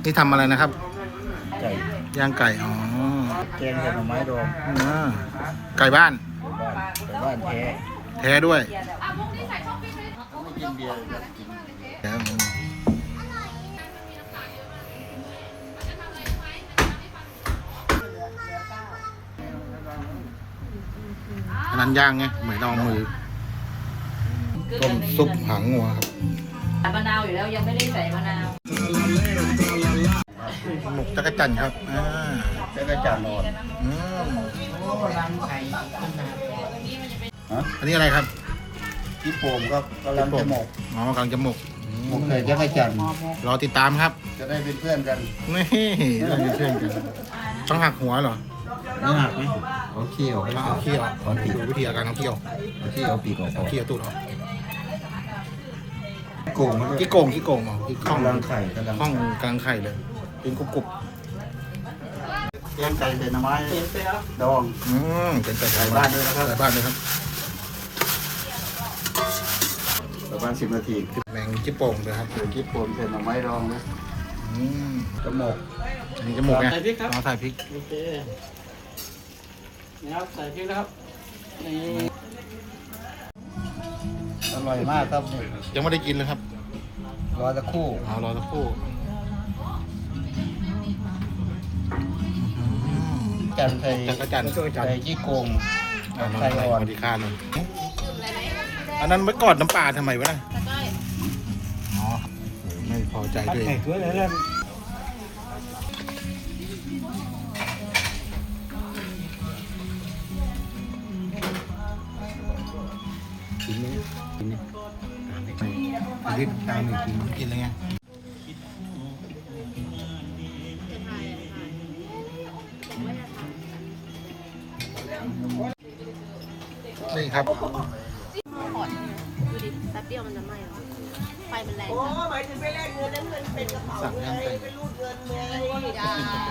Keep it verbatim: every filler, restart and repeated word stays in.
นี่ทำอะไรนะครับไก่ย่างไก่อ๋อแกงใส่หน่อไม้ดองอ่าไก่บ้านไก่บ้านไก่บ้านแท้แท้ด้วยไม่กินเบียร์ก็กินแล้วอันนั้นย่างไงเหมือนลองมือต้มซุปหางงัวครับมะนาวอยู่แล้วยังไม่ได้ใส่มะนาวหมกจักรจั่นครับอ่าจักรจั่นนอนอืมอันนี้อะไรครับพี่โป่งก็กำลังจะหมกอ๋อกำลังจะหมกหมกใส่จักรจั่นรอติดตามครับจะได้เป็นเพื่อนกันนี่เราเป็นเพื่อนกันต้องหักหัวเหรอไม่หักไหมเอาเขี้ยวเอาเขี้ยวเอาปีกวิธีการเอาเขี้ยวเอาเขี้ยวเอาปีกออกเอาเขี้ยวตูดออกโกงขี้โกงขี้โกงอ๋อขี้ข้องกำลังไข่กำลังข้องกลางไข่เลยเป็นกรุบกรุบแกงไก่ใส่หน่อไม้ดองอืมเป็นไก่บ้านด้วยนะครับไก่บ้านด้วยครับประมาณสิบนาทีแมงขี้โป่งเลยครับเดี๋ยวกิ๊บผมใส่หน่อไม้ดองนะอืมจมูกอันนี้จมูกไงใส่พริกครับใส่พริกโอเคนี่ครับใส่พริกนะครับนี่อร่อยมากครับยังไม่ได้กินเลยครับรอสักครู่เอารอสักครู่จันใส่จักรจั่นใส่จี้โกงใส่อ่อนดีค่าหนึ่งอันนั้นไว้กอดน้ำปลาทำไมวะนะอ๋อไม่พอใจด้วยด้วยเลยนะกินไหมกินไหมตามไม่ไปรีบตามหนึ่งกินกินเลยไงนี่ครับดูดิแป๊บเดียวมันจะไหม้แล้วไฟมันแรงโอ้หมายถึงไปแลกเงินแล้วเงินเป็นกระเป๋าเลยไปรูดเงินเลย